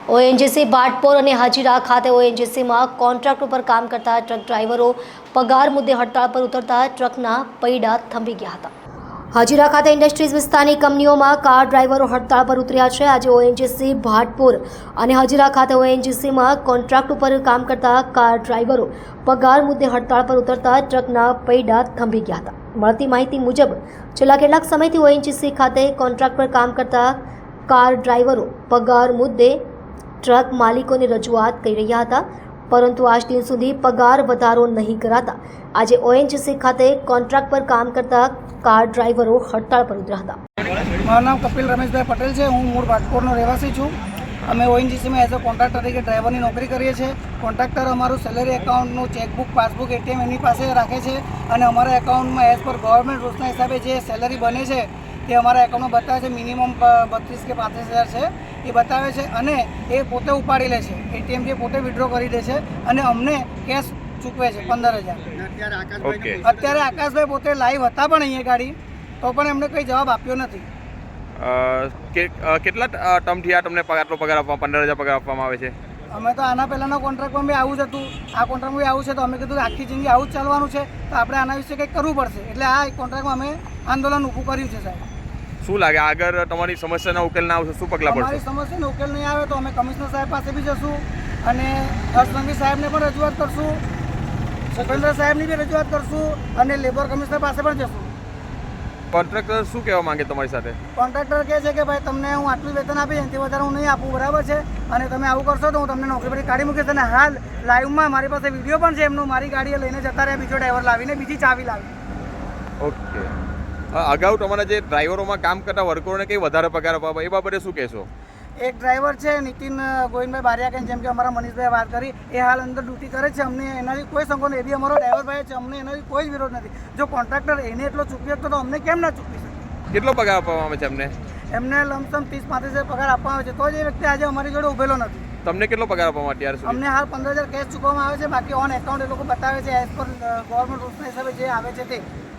ONGC ભાટપોર અને હાજીરા ખાતે ઓએનજીસીમાં contract ઉપર કામ કરતા ટ્રક ડ્રાઈવરો પગાર મુદ્દે હડતાળ પર ઉતરતા ટ્રકના પૈડા થંભી ગયા હતા। હાજીરા ખાતે ઇન્ડસ્ટ્રીઝ વિસ્તારની કંપનીઓમાં કાર ડ્રાઈવરો હડતાળ પર ઉતર્યા છે। આજે ઓએનજીસી ભાટપોર અને હાજીરા ખાતે ઓએનજીસીમાં કોન્ટ્રાક્ટ ઉપર કામ કરતા કાર ડ્રાઈવરો પગાર મુદ્દે હડતાળ પર ઉતરતા ટ્રકના પૈડા થંભી ગયા હતા। મળતી માહિતી મુજબ છેલ્લા કેટલાક સમયથી ઓએનજીસી ખાતે કોન્ટ્રાક્ટ પર કામ કરતા કાર ડ્રાઈવરો પગાર મુદ્દે ટ્રક માલિકોને રજૂઆત કરી રહ્યા હતા, પરંતુ આજ દિન સુધી પગાર વધારો નહીં કરાતા આજે ઓએનજીસી ખાતે કોન્ટ્રાક્ટ પર કામ કરતા કાર ડ્રાઈવરો હડતાળ પર ઉતર્યા હતા। મારું નામ કપિલ રમેશભાઈ પટેલ છે। હું મૂળ ભાટપોરનો રહેવાસી છું। અમે ઓએનજીસીમાં એઝ અ કોન્ટ્રાક્ટર તરીકે ડ્રાઈવરની નોકરી કરીએ છીએ। કોન્ટ્રાક્ટર અમારું સેલરી એકાઉન્ટનું ચેકબુક, પાસબુક, એટીએમ એની પાસે રાખે છે અને અમારા એકાઉન્ટમાં એઝ પર ગવર્મેન્ટ રૂલ્સના હિસાબે જે સેલરી બને છે તે અમારા એકાઉન્ટમાં બતાવે છે। મિનિમમ 32 કે 35 હજાર છે એ બતાવે છે અને એ પોતે ઉપાડી લે છે। એટીએમ જે પોતે વિડ્રો કરી દે છે અને અમને કેશ ચૂકવે છે 15,000। અત્યારે આકાશભાઈ પોતે લાઈવ હતા પણ અહીંયા ગાડી, તો પણ એમને કંઈ જવાબ આપ્યો નથી। કેટલા ટર્મથી આ તમને આટલો પગાર આપવામાં 15,000 પગાર આપવામાં આવે છે? અમે તો આના પહેલાંના કોન્ટ્રાક્ટમાં બી આવું જ હતું, આ કોન્ટ્રાક્ટમાં બી આવું છે, તો અમે કીધું કે આખી જિંદગી આવું જ ચાલવાનું છે, તો આપણે આના વિશે કંઈક કરવું પડશે। એટલે આ કોન્ટ્રાક્ટમાં અમે આંદોલન ઊભું કર્યું છે। સાહેબ, શું લાગે આગળ તમારી સમસ્યાનો ઉકેલ ના આવશે, શું પગલાં પડશે? અમારી સમસ્યાનો ઉકેલ નહીં આવે તો અમે કમિશનર સાહેબ પાસે બી જશું અને હર્ષ સાહેબને પણ રજૂઆત કરશું, સુખેન્દ્ર સાહેબની બી રજૂઆત કરશું અને લેબર કમિશનર પાસે પણ જશું। કોન્ટ્રાક્ટર શું કહેવા માંગે તમારી સાથે? કોન્ટ્રાક્ટર કહે છે કે ભાઈ તમને હું આટલું વેતન આપીશ, એનાથી વધારે હું નહીં આપું, બરાબર છે, અને તમે આવું કરશો તો હું તમને નોકરી પરથી કાઢી મૂકીશ। અને હાલ લાઈવમાં મારી પાસે વિડીયો પણ છે એમનો, મારી ગાડીએ લઈને જતા રહ્યા, બીજો ડ્રાઈવર લાવીને બીજી ચાવી લાવી। ઓકે, અગાઉ તમારા જે ડ્રાઈવરોમાં કામ કરતા વર્કરોને કંઈ વધારે પગાર આપવા એ બાબતે શું કહેશો? એક ડ્રાઈવર છે નીતિન ગોવિંદભાઈ બારિયા, જેમ કે અમારા મનીષભાઈ વાત કરી, એ હાલ અંદર ડ્યુટી કરે છે। અમને એનાથી કોઈ સંકોચ નહીં, એ બી અમારો ડ્રાઈવર ભાઈ છે, અમને એનાથી કોઈ જ વિરોધ નથી। જો કોન્ટ્રાક્ટર એને એટલો ચૂકવી શકતો તો અમને કેમ ના ચૂકવી શકે? કેટલો પગાર આપવામાં આવે છે એમને? એમને લમસમ 30-35 હજાર પગાર આપવામાં આવે છે, તો જ એ વ્યક્તિ આજે અમારી જોડે ઉભેલો નથી। તમને કેટલો પગાર આપવામાં અત્યાર સુધી? અમને હાલ 15,000 કેશ ચૂકવવામાં આવે છે, બાકી ઓન એકાઉન્ટ એ લોકો બતાવે છે એઝ પર ગવર્મેન્ટ રૂલ્સના હિસાબે જે આવે છે તે।